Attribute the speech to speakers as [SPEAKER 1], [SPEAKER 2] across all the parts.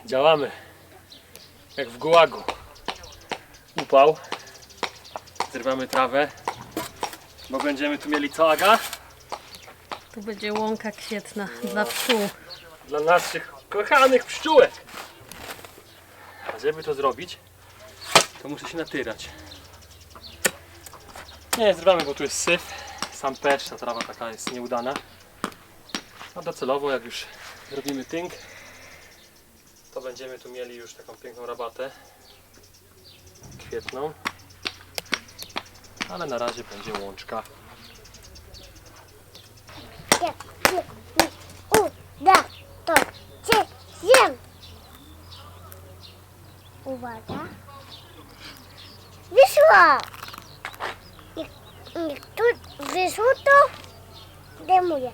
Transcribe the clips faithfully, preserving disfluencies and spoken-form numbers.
[SPEAKER 1] Działamy jak w gułagu. Upał. Zrywamy trawę, bo będziemy tu mieli co, Aga?
[SPEAKER 2] Tu będzie łąka kwietna dla pszczół.
[SPEAKER 1] Dla naszych kochanych pszczółek. A żeby to zrobić, to muszę się natyrać. Nie, zrywamy, bo tu jest syf. Sam pesz, ta trawa taka jest nieudana. A docelowo, jak już zrobimy tynk, to będziemy tu mieli już taką piękną rabatę kwietną. Ale na razie będzie łączka.
[SPEAKER 3] Jak się mi uda, to cię zjem. Uwaga. Wyszło! Jak, jak tu wyszło, to demuję.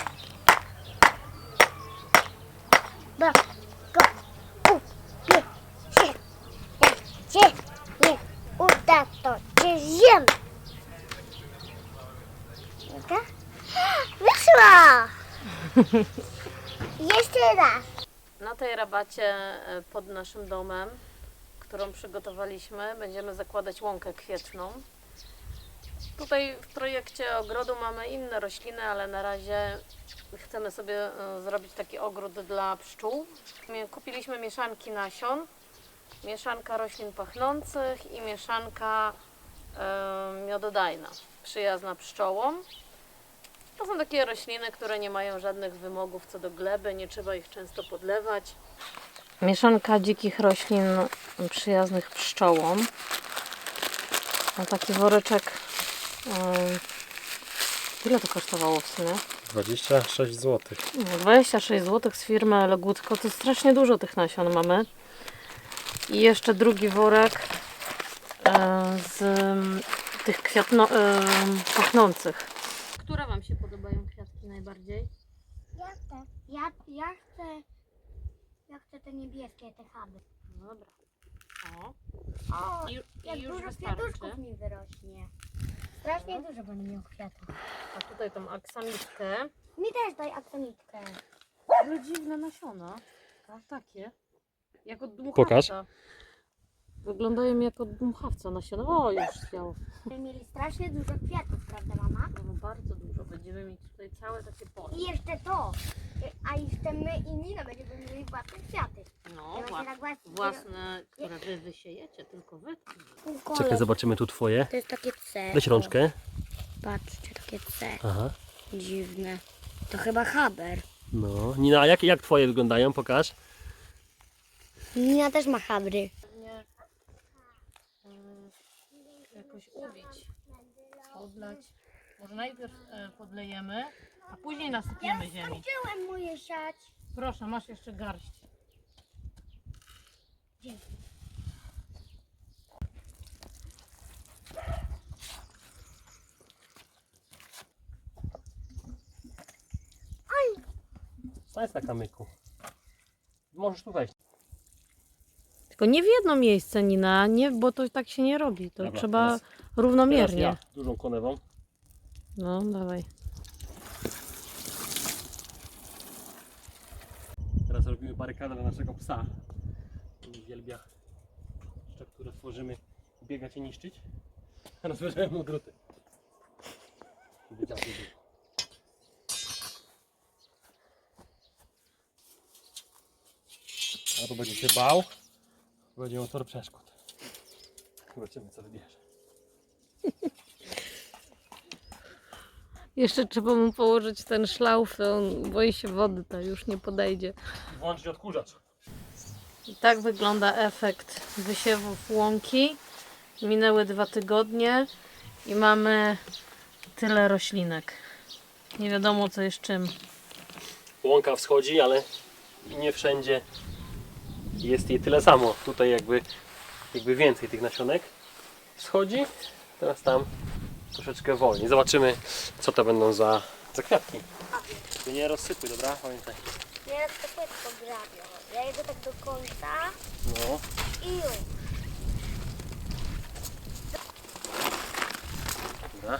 [SPEAKER 3] Bo go upie się. Jak się nie uda, to cię zjem. Uda? Wyszło! Jeszcze raz.
[SPEAKER 2] Na tej rabacie e, pod naszym domem, którą przygotowaliśmy, będziemy zakładać łąkę kwietną. Tutaj w projekcie ogrodu mamy inne rośliny, ale na razie chcemy sobie e, zrobić taki ogród dla pszczół. Mie- Kupiliśmy mieszanki nasion, mieszanka roślin pachnących i mieszanka e, miododajna, przyjazna pszczołom. To są takie rośliny, które nie mają żadnych wymogów co do gleby, nie trzeba ich często podlewać. Mieszanka dzikich roślin przyjaznych pszczołom. No taki woreczek. Yy, ile to kosztowało w sumie?
[SPEAKER 1] dwadzieścia sześć złotych.
[SPEAKER 2] dwadzieścia sześć złotych z firmy Legutko. To strasznie dużo tych nasion mamy. I jeszcze drugi worek yy, z yy, tych kwiatno, yy, pachnących. Które Wam się podobają kwiatki najbardziej?
[SPEAKER 3] Ja chcę, ja, ja chcę, ja chcę te niebieskie, te chaby.
[SPEAKER 2] No dobra. O.
[SPEAKER 3] O,
[SPEAKER 2] I,
[SPEAKER 3] jak
[SPEAKER 2] i już
[SPEAKER 3] dużo
[SPEAKER 2] wystarczy.
[SPEAKER 3] kwiatuszków mi wyrośnie. Strasznie dużo będę miał kwiatów.
[SPEAKER 2] A tutaj tą aksamitkę.
[SPEAKER 3] Mi też daj aksamitkę.
[SPEAKER 2] Ale dziwne nasiona. Takie. Jak od dmuchawca.
[SPEAKER 1] Pokaż.
[SPEAKER 2] Wyglądają jak od dmuchawca nasiona. O, już zwiało.
[SPEAKER 3] Będziemy mieli strasznie dużo kwiatów, prawda mama?
[SPEAKER 2] No, bardzo dużo. Będziemy mieć tutaj całe takie pole.
[SPEAKER 3] I jeszcze to. A jeszcze my i Nina będziemy mieli własne kwiaty.
[SPEAKER 2] No,
[SPEAKER 3] Ja
[SPEAKER 2] wła-
[SPEAKER 3] właśnie tak właśnie-
[SPEAKER 2] własne, które wy wysiejecie, tylko wy.
[SPEAKER 1] Czekaj, zobaczymy tu twoje.
[SPEAKER 3] To jest takie C.
[SPEAKER 1] Weź rączkę.
[SPEAKER 3] Patrzcie, takie C.
[SPEAKER 1] Aha.
[SPEAKER 3] Dziwne. To chyba haber.
[SPEAKER 1] No. Nina, a jak, jak twoje wyglądają? Pokaż.
[SPEAKER 3] Nina też ma habry.
[SPEAKER 2] Nie, jakoś ubić, podlać. Może najpierw e, podlejemy, a później nasypiemy ziemi.
[SPEAKER 3] Skończyłem moje siać.
[SPEAKER 2] Proszę, masz jeszcze garść.
[SPEAKER 1] Stań na kamyku. Możesz tu wejść.
[SPEAKER 2] Tylko nie w jedno miejsce, Nina, nie, bo to tak się nie robi. To
[SPEAKER 1] Dobra,
[SPEAKER 2] trzeba
[SPEAKER 1] teraz-
[SPEAKER 2] równomiernie.
[SPEAKER 1] Teraz ja, dużą konewą.
[SPEAKER 2] No, dawaj.
[SPEAKER 1] Teraz robimy barykadę dla naszego psa. On uwielbia jeszcze, które tworzymy, biegać i niszczyć. Teraz bierzemy mu druty. Wiedział, że- Albo będzie się bał, będzie miał tor przeszkód. Zobaczymy, co wybierze.
[SPEAKER 2] Jeszcze trzeba mu położyć ten szlauf, on boi się wody, to już nie podejdzie.
[SPEAKER 1] Włączyć odkurzacz.
[SPEAKER 2] I tak wygląda efekt wysiewów łąki. Minęły dwa tygodnie i mamy tyle roślinek. Nie wiadomo co jest czym.
[SPEAKER 1] Łąka wschodzi, ale nie wszędzie jest jej tyle samo. Tutaj jakby, jakby więcej tych nasionek wschodzi. Teraz tam troszeczkę wolniej. Zobaczymy, co to będą za, za kwiatki. Ty nie rozsypuj, dobra? Pamiętaj.
[SPEAKER 3] Ja to też pograbię. Ja jedę tak do końca
[SPEAKER 1] No.
[SPEAKER 3] i już.
[SPEAKER 1] Dobra.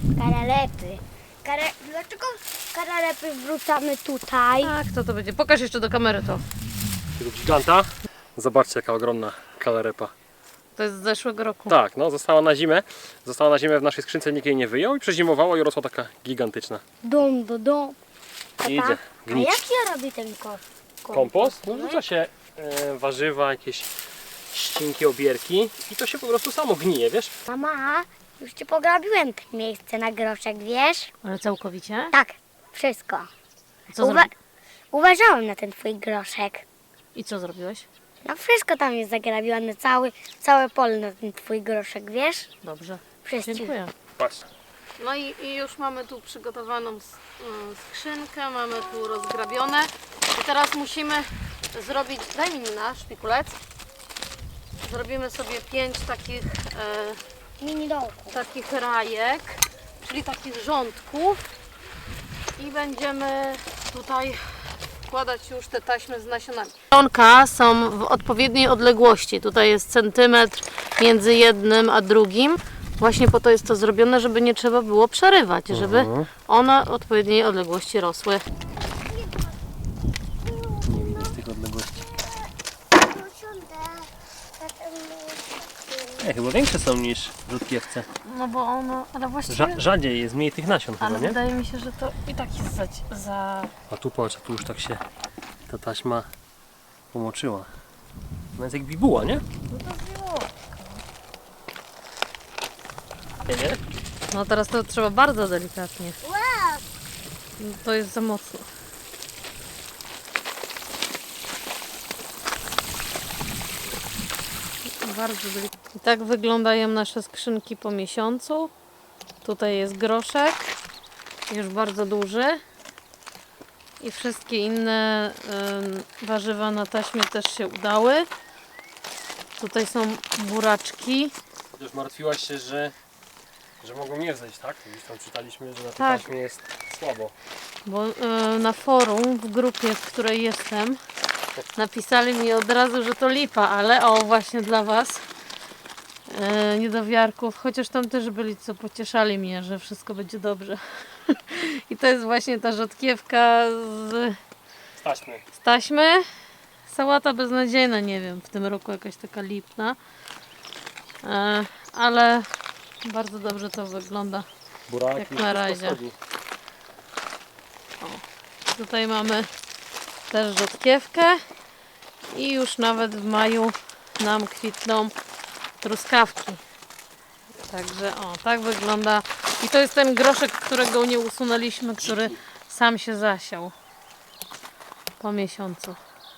[SPEAKER 3] Karalepy. Kare... Dlaczego karalepy wrzucamy tutaj?
[SPEAKER 2] Tak, to to będzie. Pokaż jeszcze do kamery to.
[SPEAKER 1] Tego giganta. Zobaczcie, jaka ogromna kalarepa.
[SPEAKER 2] To jest z zeszłego roku.
[SPEAKER 1] Tak, no została na zimę. Została na zimę w naszej skrzynce, nikt jej nie wyjął i przezimowała i rosła taka gigantyczna.
[SPEAKER 3] Dom do dom.
[SPEAKER 1] I idzie
[SPEAKER 3] A
[SPEAKER 1] gnić.
[SPEAKER 3] jak się robi ten ko-
[SPEAKER 1] Kompost? No wrzuca się e, warzywa, jakieś ścinki, obierki i to się po prostu samo gnije, wiesz?
[SPEAKER 3] Mama, już ci pograbiłem to miejsce na groszek, wiesz?
[SPEAKER 2] Ale całkowicie?
[SPEAKER 3] Tak, wszystko.
[SPEAKER 2] Co
[SPEAKER 3] Uwa-
[SPEAKER 2] zrobi-
[SPEAKER 3] uważałem na ten twój groszek.
[SPEAKER 2] I co zrobiłeś?
[SPEAKER 3] No wszystko tam jest zagrabione, cały, całe pole na ten twój groszek, wiesz?
[SPEAKER 2] Dobrze.
[SPEAKER 3] Wszystko.
[SPEAKER 2] Dziękuję.
[SPEAKER 1] Patrz.
[SPEAKER 2] No i, i już mamy tu przygotowaną s- y, skrzynkę, mamy tu rozgrabione. I teraz musimy zrobić, daj mi na szpikulec. Zrobimy sobie pięć takich, e,
[SPEAKER 3] Mini dołku.
[SPEAKER 2] takich rajek, czyli takich rządków. I będziemy tutaj wkładać już te taśmy z nasionami. Nasionka są w odpowiedniej odległości. Tutaj jest centymetr między jednym a drugim. Właśnie po to jest to zrobione, żeby nie trzeba było przerywać, żeby one w odpowiedniej odległości rosły.
[SPEAKER 1] Nie widzę z tych odległości. Nie, chyba większe są niż w rzutkiewce.
[SPEAKER 2] No bo ono, ale właściwie...
[SPEAKER 1] Rza- rzadziej jest, mniej tych nasion
[SPEAKER 2] ale
[SPEAKER 1] chyba, nie?
[SPEAKER 2] wydaje mi się, że to i tak jest za... za...
[SPEAKER 1] A tu patrz, a tu już tak się ta taśma pomoczyła. No jest jak bibuła, nie? Nie, nie?
[SPEAKER 2] No teraz to trzeba bardzo delikatnie. No to jest za mocno. Bardzo delikatnie. I tak wyglądają nasze skrzynki po miesiącu. Tutaj jest groszek, już bardzo duży. I wszystkie inne y, warzywa na taśmie też się udały. Tutaj są buraczki.
[SPEAKER 1] Chociaż martwiłaś się, że, że mogą nie wzejść, tak? Gdzieś tam czytaliśmy, że na tej
[SPEAKER 2] Tak.
[SPEAKER 1] taśmie jest słabo.
[SPEAKER 2] Bo y, na forum, w grupie, w której jestem, napisali mi od razu, że to lipa, ale o, właśnie dla Was, y, niedowiarków, chociaż tam też byli, co pocieszali mnie, że wszystko będzie dobrze. I to jest właśnie ta rzodkiewka z,
[SPEAKER 1] Z taśmy.
[SPEAKER 2] z taśmy. Sałata beznadziejna, nie wiem, w tym roku jakaś taka lipna. Y, ale bardzo dobrze to wygląda.
[SPEAKER 1] Buraki,
[SPEAKER 2] Jak na
[SPEAKER 1] wszystko
[SPEAKER 2] razie.
[SPEAKER 1] schodzi.
[SPEAKER 2] Tutaj mamy też rzodkiewkę i już nawet w maju nam kwitną truskawki. Także o, tak wygląda. I to jest ten groszek, którego nie usunęliśmy, który sam się zasiał po miesiącu.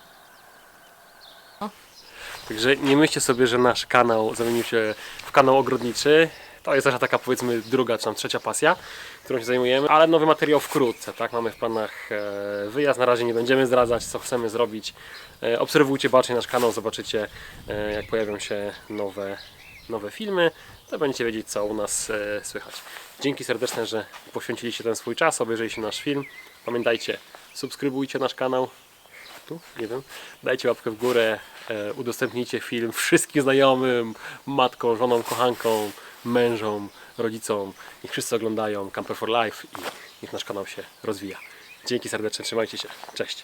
[SPEAKER 1] Także nie myślcie sobie, że nasz kanał zamienił się w kanał ogrodniczy. To jest nasza taka, powiedzmy, druga czy tam trzecia pasja, którą się zajmujemy, ale nowy materiał wkrótce, tak? Mamy w planach e, wyjazd, na razie nie będziemy zdradzać, co chcemy zrobić. E, obserwujcie bacznie nasz kanał, zobaczycie, e, jak pojawią się nowe, nowe filmy, to będziecie wiedzieć, co u nas e, słychać. Dzięki serdeczne, że poświęciliście ten swój czas, obejrzeliście nasz film. Pamiętajcie, subskrybujcie nasz kanał. Tu? Nie wiem. Dajcie łapkę w górę, e, udostępnijcie film wszystkim znajomym, matkom, żonom, kochankom, mężom, rodzicom. Niech wszyscy oglądają Camper for Life i niech nasz kanał się rozwija. Dzięki serdecznie, trzymajcie się. Cześć.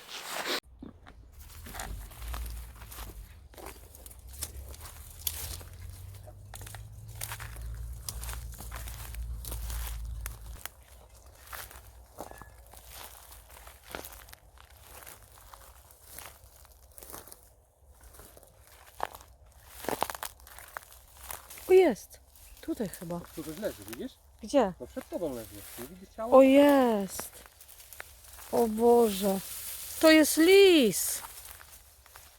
[SPEAKER 2] O, jest. Tutaj chyba.
[SPEAKER 1] Tu coś leży, widzisz?
[SPEAKER 2] Gdzie?
[SPEAKER 1] No przed tobą leży. Nie widzisz ciała?
[SPEAKER 2] O, jest. O Boże. To jest lis.